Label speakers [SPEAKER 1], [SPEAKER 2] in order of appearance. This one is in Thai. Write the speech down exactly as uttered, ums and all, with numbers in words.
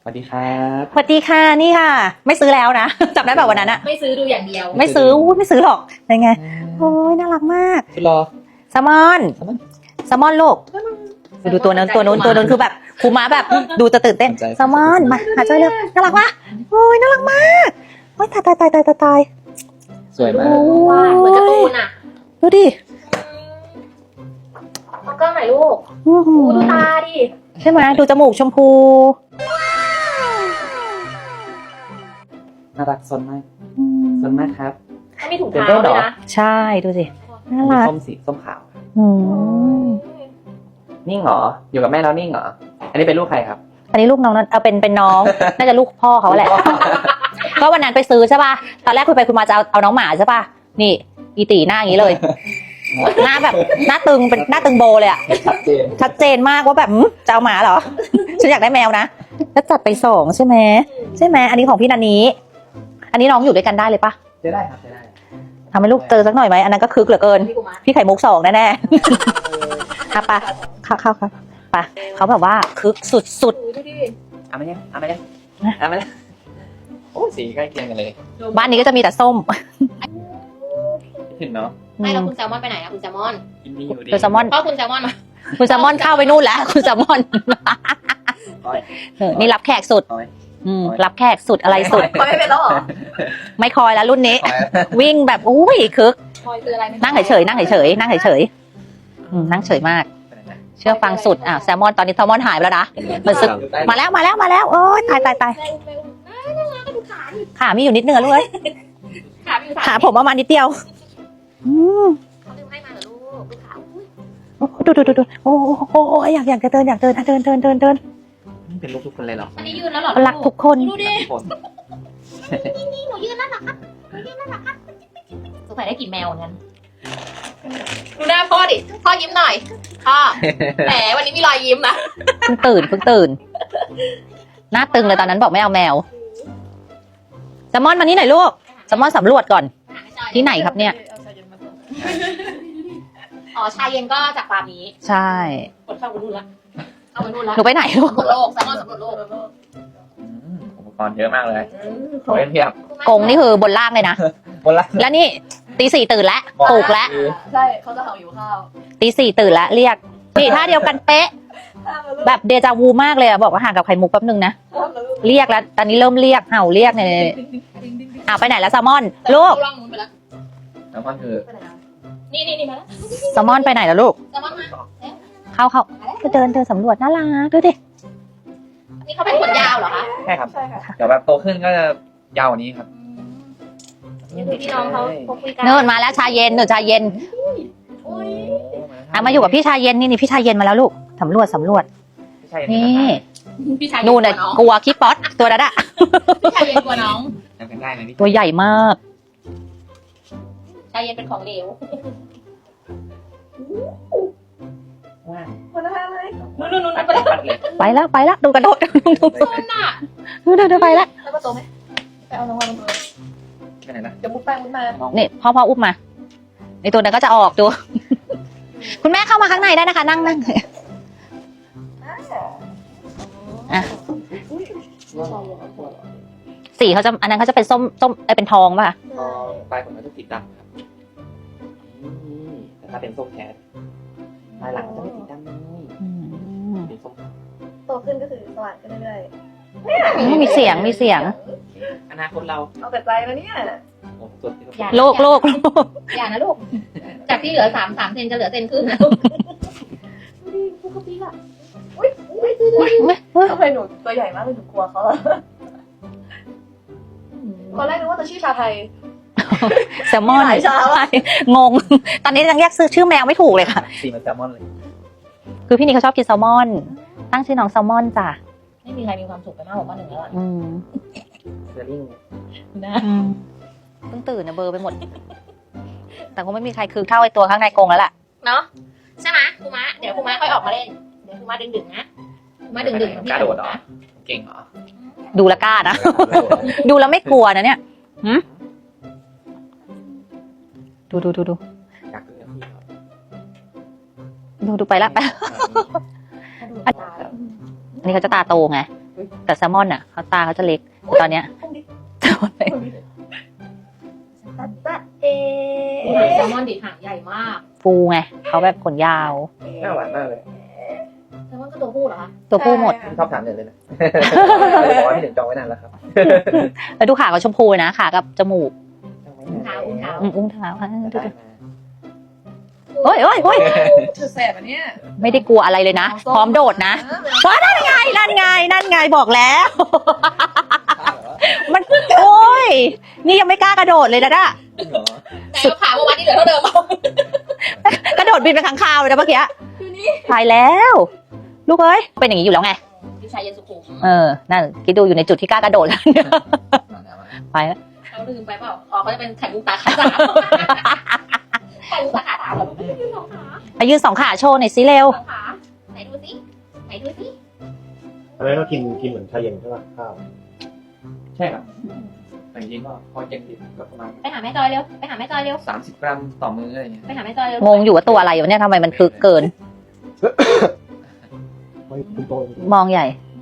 [SPEAKER 1] สวัสดีครับ
[SPEAKER 2] สวัสดีค่ะนี่ค่ะไม่ซื้อแล้วนะจำได้แบบวันนั้นอะ
[SPEAKER 3] ไม่ซื้อดูอย่างเดียว
[SPEAKER 2] ไม่ซื้ออู้ไม่ซื้อหรอกเป็นไงโอ้ยน่ารักมาก
[SPEAKER 1] คุณรอ
[SPEAKER 2] แซลมอนแซลมอนลูกดูตัวนั้นตัวนู้นตัวนู้นคือแบบครูม้าแบบดูจะตื่นเต้นแซลมอนมาหาเจอเร็วน่ารักปะโอ้ยน่ารักมากโอ้ยตายตายตายตายตาย
[SPEAKER 1] สวยมาก
[SPEAKER 3] ว่าเหมือนการ์ตูนอ่ะ
[SPEAKER 2] ดูดิ
[SPEAKER 3] เอากล้องหน่อยลูก
[SPEAKER 2] อื้อหื
[SPEAKER 3] ดู
[SPEAKER 2] อ
[SPEAKER 3] ตาดิ
[SPEAKER 2] ใช่ไหมดูจมูกชมพู
[SPEAKER 1] น่ารักซนมากซนมากครับ
[SPEAKER 3] เขามีถุงเท้าด้วยนะ
[SPEAKER 2] ใช่ดูสิน่า
[SPEAKER 1] มี
[SPEAKER 2] รัก
[SPEAKER 1] ส้มสีส้มขาว
[SPEAKER 2] อืม
[SPEAKER 1] นิ่งเหรออยู่กับแม่แล้วนิ่งเหรออันนี้เป็นลูกใครครับ
[SPEAKER 2] อันนี้ลูกน้องนั้นเอาเป็นเป็นน้อง น่าจะลูกพ่อเขาแหละ ก็วันนั้นไปซื้อใช่ป่ะ ตอนแรกคุยไปคุยมาจะเอาเอาน้องหมาใช่ป่ะ นี่อีตีหน้าอย่างนี้เลย หน้าแบบหน้าตึงเป็นหน้าตึงโบเลยอะ
[SPEAKER 1] ชัดเจน
[SPEAKER 2] ชัดเจนมากว่าแบบหึจะเอาหมาเหรอ ฉันอยากได้แมวนะ แล้วจัดไปสองใช่ไหมใช่ไหมอันนี้ของพี่นันนี้ อันนี้น้องอยู่ด้วยกันได้เลยป่ะ
[SPEAKER 1] จะได้ครับจะได้
[SPEAKER 2] ทำให้ลูกเจอสักหน่อยไหมอันนั้นก็คึกเหลือเกิน
[SPEAKER 3] พี่กูมา
[SPEAKER 2] พี่ไข่มุกสองแน่ๆ อ่ะปะเข้าเข้าครับปะเขาแบบว่าคึกสุดสุด
[SPEAKER 3] ดูดิ
[SPEAKER 1] เอามาเนี่ยเอามาเนี่ยเอามาเนี่ยโอ้สีใกล้เคียงกันเลย
[SPEAKER 2] ๆบ้านนี้ก็จะมีแต่ส้ม
[SPEAKER 1] คิดถึงเนาะ
[SPEAKER 3] ไม่แล้วคุณแซลมอนไปไหนอะคุณแซลมอน
[SPEAKER 1] กินดีอยู่ดี
[SPEAKER 2] คุณแซลมอน
[SPEAKER 3] พ่อคุณแซลมอนมา
[SPEAKER 2] คุณแซลมอนเข้าไปนู่นแล้ว คุณแซลมอนเออนี่รับแขกสุด
[SPEAKER 1] เอาไหม
[SPEAKER 2] อืมรับแขกสุดอะไรสุด
[SPEAKER 3] คอยไม่เป็นแล้วเหรอ
[SPEAKER 2] ไม่คอยแล้วรุ่นนี้
[SPEAKER 1] ขอ
[SPEAKER 2] วิ่งแบบอุ้ยคึก
[SPEAKER 3] คอยคืออะไร
[SPEAKER 2] นั่งเฉยๆนั่งเฉยๆนั่งเฉยๆอืมนั่งเฉยมาก
[SPEAKER 1] ไปไหนนะ
[SPEAKER 2] เชื่อฟังสุดอ่ะแซลมอนตอนนี้แซลมอนหายไปแล้วนะมันซึกมาแล้วมาแล้วมาแล้วโอ้ยตายตายตาย
[SPEAKER 3] แม่แม่น่ารักก็ดูขาดิ
[SPEAKER 2] ขามีอยู่นิดนึงอะลูกเอ้ย
[SPEAKER 3] ขาพี่
[SPEAKER 2] ขาผมประมาณนิดเดียวอืม
[SPEAKER 3] เขาลืมให้มาเหรอลูกดูขาอุ้ย
[SPEAKER 2] โอ้ดูดูดูดูโอ้โหโอ้โหอยากอยากจะเดินอยากเดินอ่ะเดินเดินเดินเดิน
[SPEAKER 1] นี่เป็นลูกทุกคนเลยเหรอ
[SPEAKER 3] อันนี้ยืนแล้วเหรอ
[SPEAKER 2] รักทุกคน
[SPEAKER 3] ดูดิ
[SPEAKER 1] ทุกคน
[SPEAKER 3] นี่หนูยืนแล้วเหรอครับหนูยืนแล้วเหรอครับสงสัยได้กลิ่นแมวเหมือนกันดูหน้าพ่อดิพ่อยิ้มหน่อยพ่อแหมวันนี้มีรอยยิ้มนะ
[SPEAKER 2] เพิ่งตื่นเพิ่งตื่นหน้าตึงเลยตอนนั้นบอกไม่เอาแมวแซลมอนมานี่หน่อยลูกแซลมอนสำรวจก่อนที่ไหนครับเนี่ย
[SPEAKER 3] อ๋อชาเย็นก็จากฟาร์มนี้
[SPEAKER 2] ใช่
[SPEAKER 3] กดเข้าไปนู่นละเข้าไปนู่นละ
[SPEAKER 2] หนูไปไหนลูก
[SPEAKER 3] สำรวจโลกแซลมอนสำรวจโลก
[SPEAKER 1] อืมอุปกรณ์เยอะมากเลยขอเล่นเพียบ
[SPEAKER 2] กงนี่คือบนล่างเลยนะ
[SPEAKER 1] บนละ
[SPEAKER 2] แล้วนี่ตีสี่ตื่นแล้วปลุกแล้ว
[SPEAKER 3] ใช่เขาจะเห่าอยู่ข้าว
[SPEAKER 2] ตีสี่ตื่นแล้วเรียกนี่ท่าเดียวกันเป๊ะ แบบเดจาวูมากเลยอะบอกว่าห่างกับไข่มุกแป๊บนึงนะเรียกแล้วตอนนี้เริ่มเรียกเห่าเรียกเนี่ยอ้าวไปไหนแล้วแซลมอนลูก
[SPEAKER 3] ล่องนู้นไปแล้ว
[SPEAKER 1] แล้วก็คือ
[SPEAKER 3] นี่นี่นี่มาแล้ว
[SPEAKER 2] แซลมอนไปไหนแล้วลูก
[SPEAKER 3] แซลมอนมา
[SPEAKER 2] เข้าเข้าไปเดินเดินสำรวจน่ารักดูดิ
[SPEAKER 3] นี่เขาเป็นขนยาวเหรอคะ
[SPEAKER 1] ใช่ครับเดี๋ยวแบบโตขึ้นก็จะยาวกว่านี้ครับ
[SPEAKER 3] นี่คือพี่น้องเขาเขาคุยกัน
[SPEAKER 2] เนินมาแล้วชาเย็นเนินชาเย็น
[SPEAKER 3] อุ้ย
[SPEAKER 2] อ่ะมาอยู่กับพี่ชาเย็นนี่นี่พี่ชาเย็นมาแล้วลูกสำรวจสำรวจ
[SPEAKER 1] ไม่ใช่
[SPEAKER 2] นี่
[SPEAKER 3] พี่ชาย
[SPEAKER 2] นู่นน่ะกลัวขี้ป๊อตตัวนั้นอะ
[SPEAKER 3] พี่ชายเย็นกลัวน้อง
[SPEAKER 1] ยังเป็นได้ไหมพี่
[SPEAKER 2] ตัวใหญ่มาก
[SPEAKER 3] ชายเย็นเป็นของเหลว
[SPEAKER 1] ว้าว
[SPEAKER 3] คนละเลยนู่นนู่นนู่นไปแล้ว
[SPEAKER 1] ปัดเลย
[SPEAKER 2] ไปแล้วไปแล้วดูกระโดดดูดู
[SPEAKER 3] คนน่ะ
[SPEAKER 2] ดูดูดูไปแล้ว
[SPEAKER 3] แล้วก็โตไหมไปเอาน้องมาลงเลย
[SPEAKER 1] ไปไหนนะ
[SPEAKER 3] เดี๋ยวมุดไปมุดมา
[SPEAKER 2] นี่พ่อพ่ออุ้มมาในตัวนั้นก็จะออกดู คุณแม่เข้ามาข้างในได้นะคะ นั่งนั่งอ่ะสีเขาจะอันนั้นเขาจะเป็นส้มส้มเอ้ยเป็นทองป่ะ
[SPEAKER 1] อ๋อปลายผมก็จะติดดำครับนี่แต่ถ้าเป็นส้มแท้ปลายหลังก็จะไม่ติดดำนี่
[SPEAKER 2] อืม
[SPEAKER 1] เป็นส้ม
[SPEAKER 4] โตขึ้นก็คือสว่างขึ้นเรื่อย
[SPEAKER 2] มีเสียงมีเสียง
[SPEAKER 1] อนาคตเรา
[SPEAKER 4] ๆ เอาแต่ใจนะเนี่ย
[SPEAKER 1] โอ้ตัวที่เรา
[SPEAKER 2] โลกโลกโลก
[SPEAKER 3] อย่านะลูก จากที่เหลือสามสามเซนจะเหลือเซนครึ่งนะลูกดูดิพวกเขาปีกอ่ะอุ้ยอุ้ยดูดิ
[SPEAKER 4] ทำไมหนูตัวใหญ่มากเลยหนูกลัวเขาอะตอนแรกนึกว่าจะชื่อชาไทย
[SPEAKER 2] แซลมอน
[SPEAKER 4] หลายชาว่ะ
[SPEAKER 2] งง ตอนนี้ยังแยกซื้อชื่อแมวไม่ถูกเลยค่ะ
[SPEAKER 1] สีมันแซลมอนเลย
[SPEAKER 2] คือพี่นี่เขาชอบกินแซลมอน ตั้งชื่อน้องแซลมอนจ้ะ
[SPEAKER 3] ไม่มีใครมีความสุขไปมากกว่าป้าหนึ่งแล้วอ่ะ
[SPEAKER 2] อืม
[SPEAKER 1] เซอร์ลิง
[SPEAKER 3] นะ
[SPEAKER 2] อืมเพิ่งตื่นนะเบลอร์ไปหมด แต่คงไม่มีใครคือเท่าไอตัวข้างในกรงแล้วล่ะ
[SPEAKER 3] เนาะใช่ไหมครูมะเดี๋ยวครูมะค่อยออกมาเล่นเดี๋ยวครูมะดึงดึงๆนะครูมะดึงดึงๆ
[SPEAKER 1] กระโดดเหรอเก่งเหรอ
[SPEAKER 2] ดูและกล้านะ ดูแล้วไม่กลัวนะเนี่ยหืมดูดูดูดู
[SPEAKER 1] อยากดูกับพี่เขา
[SPEAKER 2] ดูดูไปละไปละอันนี้เขาจะตาโตไง
[SPEAKER 3] เฮ้
[SPEAKER 2] แต่แซลมอนอ่ะเขาตาเขาจะเล็กแต่ตอนเนี้ย
[SPEAKER 4] ตัดตะเอ
[SPEAKER 3] แซลมอนดิหางใหญ่มาก
[SPEAKER 2] ฟูไงเขาแบบขนยาว
[SPEAKER 1] น่าหวานมากเลย
[SPEAKER 3] แซลมอนก็ตัวผู้เหรอคะ
[SPEAKER 2] ตัวผู้หมด
[SPEAKER 1] ชอบถามหนึ่งเลยนะบอกว่าพี่หนึ่งจองไว้นานแล้วครับ
[SPEAKER 2] แล้วดูขาเขาชมพูนะขากับจมูก
[SPEAKER 3] อุ้งเท้าอุ้งเท้า
[SPEAKER 2] อืมอุ้งเท้าอ่ะดู
[SPEAKER 1] ได้
[SPEAKER 2] ดิ
[SPEAKER 1] มา
[SPEAKER 2] โอ้ยโอ้ยโอ้ย
[SPEAKER 4] เธอแสบอันเนี้ย
[SPEAKER 2] ไม่ได้กลัวอะไรเลยนะ พร้อมโดดนะว้านั่นไงนั่นไงนั่นไงบอกแล้ว มันโอ้ยนี่ยังไม่กล้ากระโดดเลยนะน่ะ
[SPEAKER 1] เหรอ
[SPEAKER 3] แต่ก็ขาเมื่อวานที่เหลือเท่าเดิม
[SPEAKER 2] กระโดดบินไปข้างคาวเลยนะเมื่อกี้ตายแล้ว ลูกเอ้ยเป็นอย่างนี้อยู่แล้วไง
[SPEAKER 3] พี่ชายเย็นสุขุม
[SPEAKER 2] เออนั่นคิดดูอยู่ในจุดที่กล้ากระโดดแล้วเนี่ยไปแล้ว
[SPEAKER 3] เขาลืมไปเปล่าอ๋อเขาจะเป็นไข่มุกตาขาสามไข่มุกตาขาสามเหรอไม่ได้ยืนสองขา
[SPEAKER 2] ไปยืนสองขาโชว์หน่อยสิเร็ว
[SPEAKER 3] สองขาไหนดูสิไหนดูสิ
[SPEAKER 5] อะไรก็กินกินเหมือนชาเย็นใช่ป่ะข้าว
[SPEAKER 1] ใช่ครับแต่จริงๆก็พอเจ็ดสิบก็ประมาณ
[SPEAKER 3] ไปหาแม่จอยเร็วไปหาแม่จอยเร็ว
[SPEAKER 1] สามสิบกรัมต่อมื้ออะไรเงี้ย
[SPEAKER 3] ไปหาแม่จอยเร็ว
[SPEAKER 2] งงอยู่ว่าตัวอะไรวะเนี่ยทำไมมันคึกเกิน
[SPEAKER 5] ไม่คุณโต
[SPEAKER 2] มองใหญ่